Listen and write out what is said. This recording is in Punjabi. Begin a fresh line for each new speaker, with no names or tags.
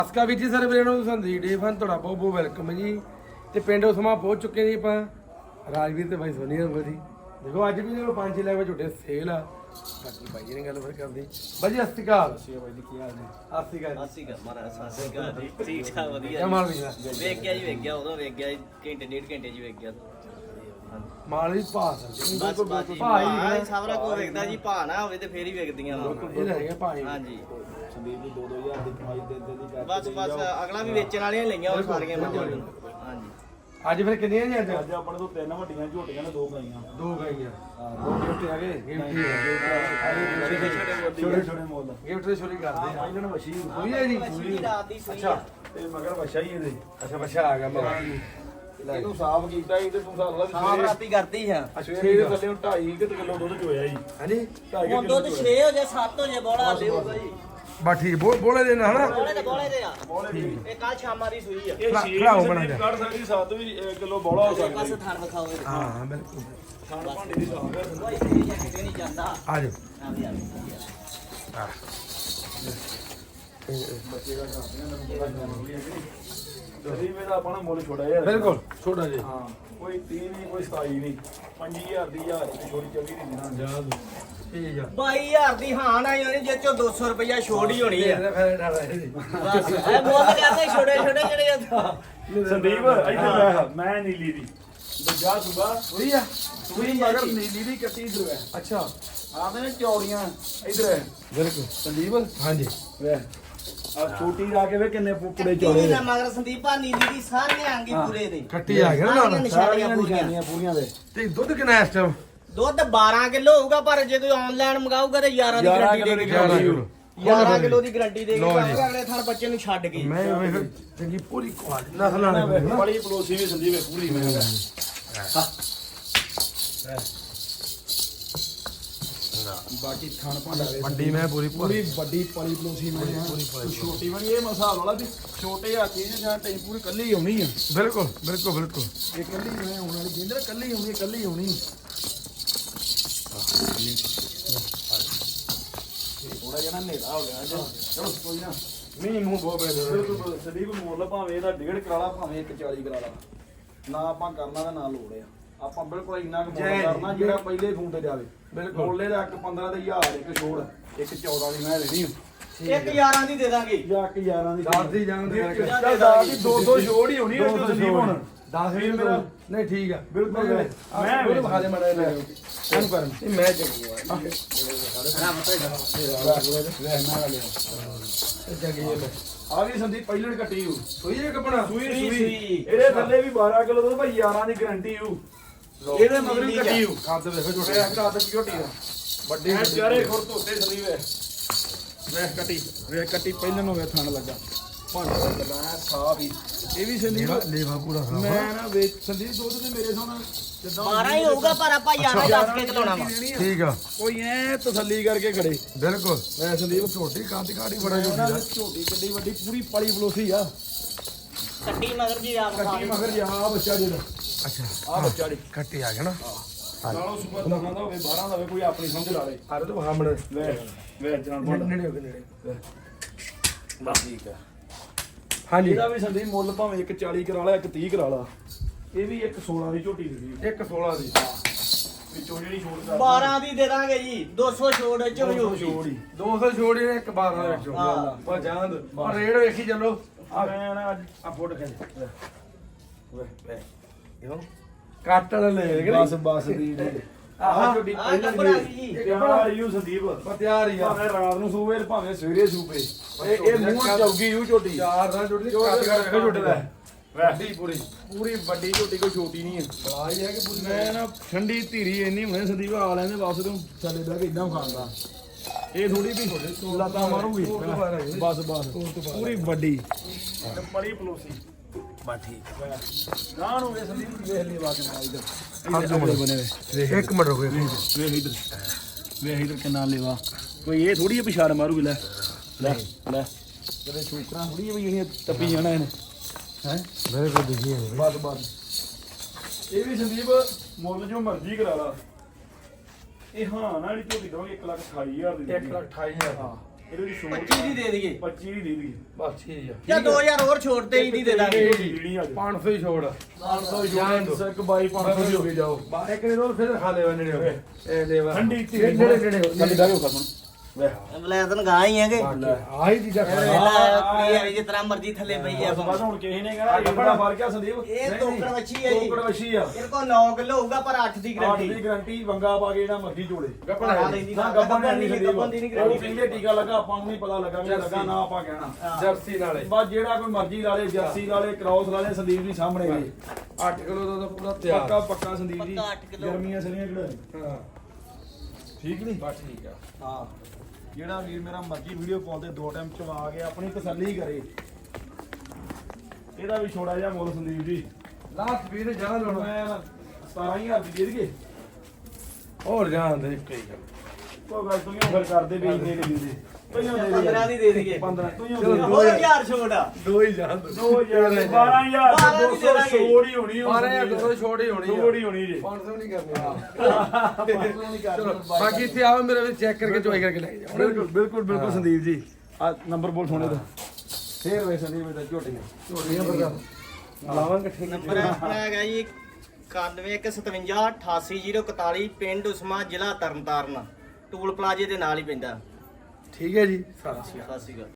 ਨਮਸਕਾਰ ਵੀਰ ਜੀ ਸਾਰੇ ਵੀਰਾਂ ਨੂੰ ਸੰਦੀਪ ਡੇ ਫਨ ਤੁਹਾਡਾ ਬਹੁਤ ਬਹੁਤ ਵੈਲਕਮ ਜੀ। ਤੇ ਪਿੰਡ ਉਸਮਾ ਪਹੁੰਚ ਚੁੱਕੇ ਜੀ ਆਪਾਂ ਰਾਜਵੀਰ ਤੇ ਭਾਈ ਸੋਨੀ ਹੋਣਾ ਜੀ। ਦੇਖੋ ਅੱਜ ਵੀ ਜਿਹੜੇ 5-6 ਲੈ ਝੋਟੇ ਸੇਲ ਆ। ਬਾਕੀ ਭਾਈ ਜੀ ਨੇ ਗੱਲ ਫਿਰ ਕਰਦੀ ਬਾਜੀ ਸਤਿ ਸ਼੍ਰੀ ਅਕਾਲ।
ਬਾਈ ਜੀ ਕੀ ਹਾਲ ਨੇ?
ਸਤਿ ਸ਼੍ਰੀ ਅਕਾਲ।
ਸਤਿ ਸ਼੍ਰੀ ਅਕਾਲ ਮਹਾਰਾਜ, ਸਤਿ ਸ਼੍ਰੀ ਅਕਾਲ ਜੀ। ਠੀਕ ਠਾਕ ਵਧੀਆ
ਕੀ ਮਾਲ ਵੀਰ
ਵੇਖ ਗਿਆ ਜੀ, ਵੇਖ ਗਿਆ ਉਦੋਂ ਵੇਖ ਗਿਆ ਘੰਟੇ ਡੇਢ ਘੰਟੇ ਜੀ ਵੇਖ ਗਿਆ।
ਮਾਲ ਵੀ ਭਾਸ
ਬਸ ਬਾਜੀ ਭਾਈ ਸਾਰਾ ਕੋ ਵੇਖਦਾ ਜੀ, ਭਾ ਨਾ ਹੋਵੇ ਤੇ ਫੇਰ ਹੀ ਵੇਖਦੀਆਂ
ਇਹ ਹੈਗੇ ਭਾਈ।
ਹਾਂਜੀ
ਸੰਦੀਪ ਦੀ 2-2000 ਦੀ ਕਮਾਈ ਦੇ ਦੀ
ਬਸ ਅਗਲਾ ਵੀ ਵੇਚਣ ਵਾਲੀਆਂ ਲਈਆਂ ਉਹ ਸਾਰੀਆਂ ਮੱਝਾਂ ਹਾਂਜੀ।
ਅੱਜ ਫਿਰ ਕਿੰਨੀਆਂ ਜੀ ਅੱਜ
ਆਪਣੇ ਤੋਂ 3 ਵੱਡੀਆਂ ਝੋਟੀਆਂ ਨੇ 2 ਗਾਈਆਂ।
2 ਗਈਆਂ।
ਹਾਂ 2 ਗਿਫਟ ਹੈਗੇ ਛੋਟੇ ਛੋਟੇ ਮੁੱਲ
ਗਿਫਟ ਦੇ ਛੋਰੀ ਕਰਦੇ ਆ
ਇਹਨਾਂ ਨੂੰ ਵਸ਼ੀ
ਹੋਈ ਹੈ ਜੀ।
ਰਾਤ ਦੀ ਸੂਈ
ਅੱਛਾ
ਤੇ ਮਗਰ ਵਸ਼ਾ ਹੀ ਇਹਦੇ
ਅੱਛਾ ਬੱਚਾ ਆ ਗਿਆ ਮੇਰਾ।
ਇਹਨੂੰ ਸਾਫ਼ ਕੀਤਾ ਸੀ ਤੇ ਤੂੰ ਸਾਲ ਲਾ
ਸਾਫ ਰਾਤੀ ਕਰਦੀ ਆ।
ਅੱਛਾ ਇਹਦੇ ਥੱਲੇ 2.5 ਕਿਲੋ ਦੁੱਧ ਚੋਇਆ ਜੀ।
ਹਾਂਜੀ
2.5
ਹੁਣ ਦੁੱਧ 6 ਹੋ ਜਾ 7 ਹੋ ਜਾ ਬੋਲਾ ਦੇਊਗਾ ਜੀ।
ਬਾ ਠੀਕ ਬੋਲੇ ਦੇ ਨਾ ਹਨਾ
ਬੋਲੇ ਦੇ ਆ ਇਹ ਕੱਲ ਸ਼ਾਮਾਂ ਦੀ ਸੂਈ ਆ।
ਇਹ
ਖੜਾਓ ਬਣਾ
ਸੰਦੀਪ ਕੱਢ ਸਕਦੀ 7 ਵੀ ਕਿਲੋ ਬੋਲਾ ਹੋ
ਪਾਸੇ
ਸਕਦਾ।
ਥਣ ਵਿਖਾਓ ਇਹਦੇ।
ਹਾਂ ਬਿਲਕੁਲ
ਖਾਣ ਭਾਂਡੇ ਦੀ ਸਾਫ਼ ਹੈ।
ਕੋਈ ਤੇਰੀ ਜਾਂ ਕਿਤੇ ਨਹੀਂ ਜਾਂਦਾ
ਆ ਜਾਓ
ਆ ਵੀ ਆ ਵੀ।
ਬੱਚੇ ਦਾ ਕਰਦੇ ਆ ਸੰਦੀਪ ਇਹਦਾ ਆਪਣਾ ਮੁੱਲ ਛੋੜਾ ਯਾਰ।
ਬਿਲਕੁਲ ਛੋਟਾ ਜੀ।
ਹਾਂ ਕੋਈ 30 ਨਹੀਂ ਕੋਈ 27 ਨਹੀਂ 5000 ਦੀ ਹਜ਼ਾਰ ਦੀ ਛੋੜੀ ਚੱਲੀ ਨਹੀਂ ਨਾ
ਜਾ ਠੀਕ ਆ
22000 ਦੀ ਹਾਂ ਨਾ ਹੋਣੀ ਜੇ ਚੋਂ 200 ਰੁਪਇਆ ਛੋੜ ਹੀ ਹੋਣੀ ਆ।
ਫਿਰ ਡਰ ਰਹੇ ਜੀ
ਬਸ ਇਹ ਮੁੱਲ ਕਰਦੇ ਛੋਟੇ ਛੋਟੇ ਜਿਹੜੇ
ਸੰਦੀਪ ਇੱਧਰ ਮੈਂ ਨੀਲੀ ਦੀ ਦੂਜਾ ਸੁਬਾ
ਹੋਈ ਆ
ਸੂਈ ਮਗਰ ਨੀਲੀ ਦੀ ਕੱਟੀ ਇਧਰ ਹੈ।
ਅੱਛਾ
ਆਦੇ ਨੇ ਚੌੜੀਆਂ ਇਧਰ ਹੈ
ਬਿਲਕੁਲ
ਸੰਦੀਪ
ਹਾਂਜੀ
ਵੇ ਆ ਛੋਟੀ ਰਾ ਕੇ ਵੇ ਕਿੰਨੇ ਪੁੱਪੜੇ
ਚੋੜੀ
ਚੌੜੇ
ਨਾ ਮਗਰ ਸੰਦੀਪਾ ਨੀਲੀ ਦੀ ਸਾਰੇ ਆਂਗੀ ਪੂਰੇ ਦੇ
ਖੱਟੀ ਆ ਗਿਆ ਨਾ ਨਾਲ
ਨਿਸ਼ਾਨੀਆਂ ਪੂਰੀਆਂ
ਨਿਸ਼ਾਨੀਆਂ ਪੂਰੀਆਂ ਦੇ
ਤੇ ਦੁੱਧ ਕਿੰਨਾ ਇਸ ਟਾਈਮ
ਦੁੱਧ 12 ਕਿਲੋ ਹੋਊਗਾ ਪਰ ਜੇ ਕੋਈ ਆਨਲਾਈਨ ਮੰਗਾਊਗਾ ਤੇ 11 ਦੀ
11
ਗਾਰੰਟੀ
ਕਿਲੋ
ਦੇ
ਦੀ
ਕੇ
ਗਾਰੰਟੀ
ਯੂਰੋ
11 ਕਿਲੋ ਦੀ ਗਾਰੰਟੀ ਦੇ ਕੇ
ਲਓ ਜੀ।
ਅਗਲੇ ਥਣ ਬੱਚੇ ਨੂੰ ਛੱਡ ਕੇ
ਮੈਂ ਵੇਖ ਚੰਗੀ ਪੂਰੀ ਕੁਆਲਿਟੀ ਨਸਲ ਵਾਲੇ
ਬੜੀ ਪਲੋਸੀ ਵੀ ਸੰਦੀਪ ਹੈ ਪੂਰੀ ਮੈਂ ਬਾਕੀ ਖਾਣ ਭਾਂਡਾ ਵੇ
ਵੱਡੀ ਮੈਂ ਪੂਰੀ
ਪੂਰੀ ਵੱਡੀ ਪਲੀ ਪਲੋਸੀ ਮੈਂ ਛੋਟੀ ਵਾਲੀ ਇਹ ਮਸਾਲ ਵਾਲਾ ਵੀ ਛੋਟੇ ਆ ਚੀਜ਼ ਜਾਂ ਟੈਂ ਪੂਰੀ ਕੱਲੀ ਆਉਣੀ ਆ।
ਬਿਲਕੁਲ ਬਿਲਕੁਲ ਬਿਲਕੁਲ
ਇਹ ਕੱਲੀ ਮੈਂ ਆਉਣ ਵਾਲੀ ਜਿੰਦਰ ਕੱਲੀ ਆਉਣੀ ਕੱਲੀ ਆਉਣੀ ਥੋੜਾ ਜਿਹਾ ਨਾ ਹਨੇਰਾ ਹੋ ਗਿਆ ਅੱਜ ਚਲੋ ਕੋਈ ਨਾ
ਮੀਂਹ ਮੂੰਹ ਬਹੁਤ ਪੈਂਦੇ
ਬਿਲਕੁਲ ਸੰਦੀਪ ਮੁੱਲ ਭਾਵੇਂ ਇਹਦਾ 1.5 ਕਰਾਲਾ ਭਾਵੇਂ 140 ਕਰਾਲਾ ਨਾ ਆਪਾਂ ਕਰਨਾ ਤੇ ਨਾ ਲੋੜ ਆ ਆਪਾਂ ਬਿਲਕੁਲ ਇੰਨਾ ਕੁ ਮੁੱਲ ਕਰਨਾ ਜਿਹੜਾ ਪਹਿਲੇ ਫੋਨ ਤੇ ਜਾਵੇ
ਬਿਲਕੁਲ।
ਮੁੱਲੇ ਦਾ 1.15 ਤੇ 1000 ਇੱਕ ਛੋੜ 1.14 ਦੀ ਮੈਂ ਲੈਣੀ
ਇੱਕ 11 ਦੀ ਦੇ ਦਾਂਗੇ
ਜਾਂ 11 ਦੀ
10 ਦੀ ਜਾਂਦੀ ਹੈ
ਚੱਲ 10 ਦੀ 200 ਛੋੜ ਹੀ ਹੋਣੀ ਉਹ ਸੰਦੀਪ ਹੁਣ
10 ਵੀ ਮੇਰਾ ਨਹੀਂ ਠੀਕ ਆ
ਬਿਲਕੁਲ
ਮੈਂ ਵੀ ਵਿਖਾ ਦੇ ਮੜਾ ਇਹਨੂੰ ਕਰ ਇਹ ਮੈਂ ਚੰਗੀ ਆ ਚੰਗੀ ਹੈ
ਆ ਗਈ ਸੰਦੀਪ ਪਹਿਲਣ ਕੱਟੀ ਹੂ
ਸੋਈ ਜੇ ਕਪਣਾ
ਸੂਈ
ਸੂਈ।
ਇਹਦੇ ਥੱਲੇ ਵੀ 12 ਕਿਲੋ ਦੁੱਧ ਭਾਈ 11 ਦੀ ਗਾਰੰਟੀ ਹੂ ਇਹਦੇ ਮਗਰ ਵੀ ਕੱਟੀ ਹੂ
ਖਾਦ ਵੇਖੋ
ਛੋਟੇ
ਝੋਟੇ
ਹੱਥ ਦੀ ਝੋਟੀ ਦਾ
ਵੱਡੀ
ਮੈਂ ਚਾਰੇ ਖੁਰ ਧੋਤੇ ਸੰਦੀਪ ਹੈ ਵੇਖ ਕੱਟੀ ਪਹਿਲਣ ਨੂੰ ਵੇ ਥਣ ਲੱਗਾ ਭਾਂਡਾ ਲੱਗਾ ਹੈ ਸਾਫ ਹੀ ਇਹ ਵੀ ਸੰਦੀਪ
ਲੇਵਾ ਪੂਰਾ ਸਾਫ
ਮੈਂ ਨਾ ਵੇਚ ਸੰਦੀਪ ਦੁੱਧ ਤੇ ਮੇਰੇ ਸੋਨਾ ਜਿੱਦਾਂ
12 ਹੀ ਹੋਊਗਾ ਪਰ ਆਪਾਂ 11 ਦੱਸ ਕੇ ਚਲਾਉਣਾ ਵਾ।
ਠੀਕ ਆ
ਕੋਈ ਐ ਤਸੱਲੀ ਕਰਕੇ ਖੜੇ
ਬਿਲਕੁਲ
ਮੈਂ ਸੰਦੀਪ
ਝੋਟੀ ਕਾਂਤੀ ਕਾੜੀ ਬੜਾ ਝੋਟੀ
ਉਹਨਾਂ
ਦਾ
ਦੀ ਝੋਟੀ ਕਿੱਡੀ ਵੱਡੀ ਪੂਰੀ ਪਲੀ ਬਲੋਸੀ ਆ
ਕੱਟੀ ਮਗਰ ਜੀ ਆਪ
ਕੱਟੀ ਮਗਰ ਜਾ ਆ ਬੱਚਾ ਜਿਹੜਾ
ਅੱਛਾ
ਆ ਬੱਚਾ ਜੀ
ਕੱਟੀ ਆ ਗਿਆ ਨਾ
ਨਾਲੋਂ ਸੁਪਰ ਦਾ ਖਾਂਦਾ ਹੋਵੇ 12 ਦਾ ਹੋਵੇ ਕੋਈ ਆਪਣੀ ਸਮਝ ਲਾ ਲੇ
ਆਰੇ ਤੋਂ ਹਾਮਣ
ਵੇ ਜਾਨ ਬੋਲ
ਨੇੜੇ ਹੋ ਗਏ ਨੇੜੇ
ਬਸ ਠੀਕ ਆ
ਹਾਂਜੀ
ਇਹਦਾ ਵੀ ਸੰਦੀਪ ਮੁੱਲ ਭਾਵੇਂ ਇੱਕ 40 ਕਰਾ ਲਾ ਇੱਕ 30 ਕਰਾ ਲਾ ਇਹ ਵੀ ਇੱਕ 16 ਦੀ ਝੋਟੀ ਦੀ
ਇੱਕ 16 ਦੀ
ਵਿੱਚੋਂ ਜਿਹੜੀ ਛੋੜ ਕਰ
12 ਦੀ ਦੇ ਦਾਂਗੇ ਜੀ 200 ਛੋੜ ਚ ਵੀ ਹੋਊਗੀ।
ਛੋੜੀ
200 ਛੋੜੀ ਨੇ ਇੱਕ 12 ਦੇ ਵਿੱਚੋਂ
ਹਾਂ।
ਪਰ ਜਾਨ ਪਰ ਰੇਡ ਵੇਖੀ ਚੱਲੋ
ਆ ਮੈਂ ਨਾ ਅੱਜ
ਆ ਫੋਟੋ ਖਿੱਚ
ਵੇ ਵੇ
ਇਹੋ ਕੱਟ ਵਾਲਾ ਲੈ ਗਏ
ਬਸ ਦੀ
ਆਹ
ਝੋਟੀ
ਆਹ
ਪਹਿਲਾਂ
ਨੰਬਰ ਆ ਗਈ ਜੀ।
ਪਿਆਰ ਯੂ ਸੰਦੀਪ
ਪਰ ਤਿਆਰ ਹੀ ਆ
ਭਾਵੇਂ ਰਾਤ ਨੂੰ ਸੂਵੇ ਤੇ ਭਾਵੇਂ ਸਵੇਰੇ ਸੂਪੇ ਇਹ ਮੂੰਹ ਚੌਗੀ ਯੂ ਝੋਟੀ
ਚਾਰ ਦਾ ਝੋਟੀ
ਕੱਟ ਕਰ ਵੇਖੋ ਝੋਟੀ ਦਾ
ਵੱਡੀ ਪੂਰੀ
ਪੂਰੀ ਵੱਡੀ ਝੋਟੀ ਕੋਈ ਛੋਟੀ ਨਹੀਂ ਹੈ
ਬਲਾਈ ਹੈ ਕਿ ਪੂਰੀ
ਮੈਂ ਨਾ ਠੰਡੀ ਧੀਰੀ ਇੰਨੀ ਹੁਣੇ ਸੰਦੀਪ ਆ ਲੈਂਦੇ ਵਾਪਸ ਤੂੰ ਥੱਲੇ ਬਹਿ ਕੇ ਇਦਾਂ ਖਾਂਦਾ ਇਹ ਥੋੜੀ ਵੀ ਲਾਤਾ ਮਾਰੂਗੀ ਬਸ ਬਸ ਪੂਰੀ ਵੱਡੀ ਤੇ ਬੜੀ ਪਲੋਸੀ
ਬਾ ਠੀਕ
ਗਾਂ ਨੂੰ ਵੇ ਸੰਦੀਪ ਵੇਖ ਲਈ ਬਾਤ ਨਾਲ ਇਧਰ
ਹੱਥ
ਬਣੇ ਵੇ
ਇੱਕ ਮਿੰਟ ਰੁਕੋ
ਵੇਖ ਇਧਰ ਕਿੰਨਾ ਲੈਵਾ ਕੋਈ ਇਹ ਥੋੜੀ ਜਿਹੀ ਪਿਛਾੜ ਮਾਰੂਗੀ ਲੈ ਲੈ ਲੈ ਤੇਰੇ ਛੂਕਰਾਂ ਥੋੜੀ ਜਿਹੀ ਜਿਹੜੀਆਂ ਟੱਪੀ ਜਾਣਾ ਇਹਨੇ ਹੈ
ਮੇਰੇ ਕੋਲ ਦਿਖੀ ਹੈ
ਬਸ ਬਸ ਇਹ ਵੀ ਸੰਦੀਪ ਮੁੱਲ ਜੋ ਮਰਜ਼ੀ ਕਰਾ ਲਾ ਇਹ ਹਾਂ ਨਾਲ ਹੀ ਝੋਟੀ ਦਵਾਂਗੇ 1,28,000 ਦੀ
1,28,000
ਹਾਂ ਇਹਦੇ ਦੀ ਛੋੜ
25 ਦੀ ਦੇ ਦਈਏ
25 ਦੀ ਦੇ ਦੀ
ਬਸ ਠੀਕ ਆ
ਜਾਂ 2000 ਹੋਰ ਛੋੜ ਤੇ ਹੀ ਦੀ ਦੇ ਦਾਂਗੇ
ਜਿਹੜੀ ਆ
500 ਹੀ ਛੋੜ
500 ਜਾਨ ਇੱਕ ਬਾਈ 500 ਦੀ ਹੋ ਗਈ ਜਾਓ
ਬਾਰੇ ਕਿਨੇ ਰੋਲ ਫਿਰ ਖਾ ਲੈ ਨੇੜੇ ਹੋ ਗਏ ਇਹ ਲੈਵਾ
ਠੰਡੀ ਧੀ
ਨੇੜੇ ਨੇੜੇ
ਥੱਲੇ ਬਹਿ ਕੇ ਖਸਮ ਵੇ
ਬਲੈਦਨ ਗਾਂ ਹੀ ਹੈਗੇ
ਆਹੀ ਚੀਜ਼ਾਂ ਖਾ
ਇਹ ਜਿਸ ਤਰ੍ਹਾਂ ਮਰਜ਼ੀ ਥੱਲੇ ਪਈ ਆ
ਬਸ ਹੁਣ ਕਿਸੇ ਨੇ ਕਹਿਣਾ ਇਹ ਬੜਾ ਫਰਕ ਆ ਸੰਦੀਪ
ਇਹ ਤੋਕੜ ਵੱਛੀ ਹੈ ਜੀ
ਟੋਕੜ ਵਸ਼ੀ ਆ
ਇਹ ਕੋ 9 ਕਿਲੋ ਹੋਊਗਾ ਪਰ 8 ਦੀ
8
ਗਰੰਟੀ
ਦੀ ਗਾਰੰਟੀ ਵੰਗਾ ਪਾ ਕੇ ਜਿਹੜਾ ਮਰਜ਼ੀ ਚੋਲੇ
ਗੱਪਣਾ ਲੈਂਦੀ
ਨਾ ਗੱਬਨ ਨਹੀਂ
ਗੱਪਣ ਦੀ ਨਹੀਂ
ਉਹ
ਗਰੰਟੀ
ਕਹਿੰਦੇ ਟੀਕਾ ਲੱਗਾ ਆਪਾਂ ਨੂੰ ਨਹੀਂ ਪਤਾ ਲੱਗਾ ਵੀ ਲੱਗਾ ਨਾ ਆਪਾਂ ਕਹਿਣਾ
ਜਰਸੀ ਨਾਲੇ
ਬਸ ਜਿਹੜਾ ਕੋਈ ਮਰਜ਼ੀ ਲਾ ਲੇ ਜਰਸੀ ਲਾ ਲੇ ਕ੍ਰਾਸ ਲਾ ਲੇ ਸੰਦੀਪ ਜੀ ਸਾਹਮਣੇ ਜੀ
8 ਕਿਲੋ ਦਾ ਤਾਂ ਪੂਰਾ ਤਿਆਰ
ਪੱਕਾ ਪੱਕਾ ਸੰਦੀਪ ਜੀ
ਪੱਕਾ 8 ਕਿਲੋ।
ਗਰਮੀਆਂ ਸਰੀਆਂ ਕਿਹੜਾ
ਹਾਂ
ਠੀਕ ਨਹੀਂ
ਬਸ ਠੀਕ ਆ
ਹਾਂ ਜਿਹੜਾ ਵੀਰ ਮੇਰਾ ਮਰਜ਼ੀ ਵੀਡੀਓ ਕਾਲ ਤੇ 2 ਟਾਈਮ ਚਵਾ ਕੇ ਆਪਣੀ ਤਸੱਲੀ ਕਰੇ ਇਹਦਾ ਵੀ ਛੋੜਾ ਜਿਹਾ ਮੁੱਲ ਸੰਦੀਪ ਜੀ
ਲਾਸਟ ਵੀਰ ਜਾ
ਹੁਣ
ਲੋਣਾ
ਮੈਂ 17000 ਦੀ ਦੇ ਦਈਏ
ਹੋਰ ਜਾਣ ਦੇ ਕੋਈ ਗੱਲ
ਕੋਈ ਗੱਲ ਤੂੰ ਫਿਰ ਕਰਦੇ ਵੀ ਇੰਨੇ ਦੇ ਦਿੰਦੇ ਪਹਿਲਾਂ ਦੇ
15 ਦੀ ਦੇ ਦਈਏ
15 ਤੂੰ ਹੀ
ਚਲੋ,
ਹੋਰ 1000 ਛੋੜ ਆ
ਦੋ ਹੀ ਜਾਣ ਦੋ
12000 200 ਛੋੜ ਹੀ ਹੋਣੀ
12000 ਛੋੜ ਹੀ ਹੋਣੀ
ਛੋੜ ਹੀ ਹੋਣੀ ਜੀ
500 ਨਹੀਂ ਕਰਨੀ ਚਲੋ ਬਾਕੀ ਇੱਥੇ ਆਓ ਮੇਰੇ ਵਿੱਚ ਚੈੱਕ ਕਰਕੇ ਚੁਆਈ ਕਰਕੇ ਲੈ ਜਾਓ
ਬਿਲਕੁਲ ਬਿਲਕੁਲ ਬਿਲਕੁਲ ਸੰਦੀਪ ਜੀ ਆ ਨੰਬਰ ਬੋਲ ਸੋਨੇ ਦਾ ਫੇਰ ਵੇ ਸੰਦੀਪ ਦਾ ਝੋਟੀਆਂ
ਝੋਟੀਆਂ ਬਰਗਾ ਲਾਵਾਂਗੇ ਠੀਕ
ਨੰਬਰ ਆਪਣਾ ਹੈਗਾ ਜੀ 9157 88041 ਪਿੰਡ ਉਸਮਾ ਜ਼ਿਲ੍ਹਾ ਤਰਨਤਾਰਨ ਟੂਲ ਪਲਾਜ਼ੇ ਦੇ ਨਾਲ ਹੀ ਪੈਂਦਾ
ਠੀਕ ਹੈ ਜੀ ਸਤਿ ਸ਼੍ਰੀ ਅਕਾਲ
ਸਤਿ ਸ਼੍ਰੀ ਅਕਾਲ